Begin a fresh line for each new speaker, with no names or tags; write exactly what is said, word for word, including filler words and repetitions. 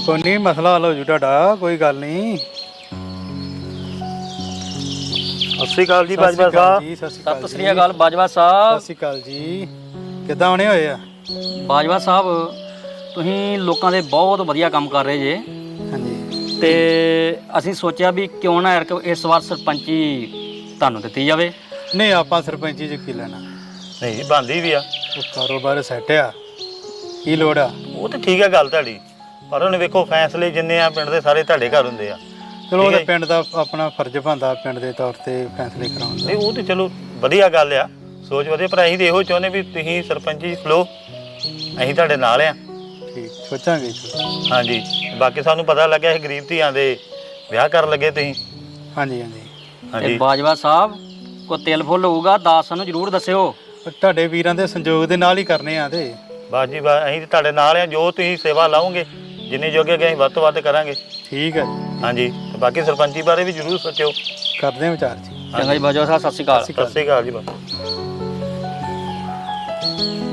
ਕੋਈ ਨਹੀਂ, ਮਸਲਾ ਹੱਲ ਹੋ ਜੂ ਤੁਹਾਡਾ, ਕੋਈ ਗੱਲ ਨਹੀਂ।
ਸਤਿ ਸ਼੍ਰੀ ਅਕਾਲ ਜੀ ਬਾਜਵਾ ਸਾਹਿਬ।
ਜੀ ਸਤਿ ਸ਼੍ਰੀ ਅਕਾਲ।
ਸਤਿ ਸ੍ਰੀ ਅਕਾਲ ਬਾਜਵਾ ਸਾਹਿਬ।
ਸਤਿ ਸ਼੍ਰੀ ਅਕਾਲ ਜੀ। ਕਿੱਦਾਂ ਆਉਣੇ ਹੋਏ ਆ?
ਬਾਜਵਾ ਸਾਹਿਬ ਤੁਸੀਂ ਲੋਕਾਂ ਦੇ ਬਹੁਤ ਵਧੀਆ ਕੰਮ ਕਰ ਰਹੇ ਜੇ,
ਹਾਂਜੀ।
ਤੇ ਅਸੀਂ ਸੋਚਿਆ ਵੀ ਕਿਉਂ ਨਾ ਯਾਰ ਇਸ ਵਾਰ ਸਰਪੰਚੀ ਤੁਹਾਨੂੰ ਦਿੱਤੀ ਜਾਵੇ।
ਨਹੀਂ, ਆਪਾਂ ਸਰਪੰਚੀ ਚ ਕੀ ਲੈਣਾ?
ਨਹੀਂ ਬਣਦੀ ਵੀ ਆ,
ਉਹ ਕਾਰੋਬਾਰ ਸੈੱਟ ਆ, ਕੀ ਲੋੜ ਆ?
ਉਹ ਤੇ ਠੀਕ ਹੈ ਗੱਲ ਤੁਹਾਡੀ, ਪਰ ਉਹਨੇ ਵੇਖੋ ਫੈਸਲੇ ਜਿੰਨੇ ਆ ਪਿੰਡ ਦੇ ਸਾਰੇ ਤੁਹਾਡੇ ਘਰ ਹੁੰਦੇ ਆ।
ਚਲੋ ਉਹਦੇ ਪਿੰਡ ਦਾ ਆਪਣਾ ਫਰਜ਼ ਬਣਦਾ ਪਿੰਡ ਦੇ ਤੌਰ ਤੇ ਫੈਸਲੇ ਕਰਾਉਣ ਦਾ।
ਨਹੀਂ ਉਹ ਤੇ ਚਲੋ ਵਧੀਆ ਗੱਲ ਆ, ਸੋਚ ਵਧੀਆ, ਪਰ ਅਸੀਂ ਤੇ ਇਹੋ ਚਾਹੁੰਦੇ ਵੀ ਤੁਸੀਂ ਸਰਪੰਚੀ ਖਲੋ, ਅਸੀਂ ਤੁਹਾਡੇ ਨਾਲ ਆ।
ਠੀਕ, ਸੋਚਾਂਗੇ।
ਹਾਂਜੀ, ਬਾਕੀ ਸਾਨੂੰ ਪਤਾ ਲੱਗਿਆ ਇਹ ਗਰੀਬ ਧੀਆਂ ਦੇ ਵਿਆਹ ਕਰਨ ਲੱਗੇ ਤੁਸੀਂ।
ਹਾਂਜੀ ਹਾਂਜੀ
ਤੇ
ਹਾਂਜੀ
ਬਾਜਵਾ ਸਾਹਿਬ ਕੋਈ ਤਿਲ ਫੁੱਲ ਹੋਊਗਾ ਦੱਸ ਸਾਨੂੰ ਜ਼ਰੂਰ ਦੱਸਿਓ।
ਉਹ ਤੁਹਾਡੇ ਵੀਰਾਂ ਦੇ ਸੰਯੋਗ ਦੇ ਨਾਲ ਹੀ ਕਰਨੇ ਆ ਤੇ।
ਬਸ ਜੀ ਬਸ, ਅਸੀਂ ਤੁਹਾਡੇ ਨਾਲ ਆ, ਜੋ ਤੁਸੀਂ ਸੇਵਾ ਲਾਓਗੇ ਜਿੰਨੇ ਜੋਗੇ ਅਸੀਂ ਵੱਧ ਤੋਂ ਵੱਧ ਕਰਾਂਗੇ।
ਠੀਕ ਹੈ ਜੀ,
ਹਾਂਜੀ, ਤੇ ਬਾਕੀ ਸਰਪੰਚੀ ਬਾਰੇ ਵੀ ਜ਼ਰੂਰ ਸੋਚਿਓ।
ਕਰਦੇ ਆ ਵਿਚਾਰ ਜੀ।
ਚੰਗਾ ਜੀ ਬਾਜਵਾ ਸਾਹਿਬ, ਸਤਿ ਸ਼੍ਰੀ ਅਕਾਲ।
ਸਤਿ ਸ਼੍ਰੀ ਅਕਾਲ ਜੀ ਬਾਬਾ।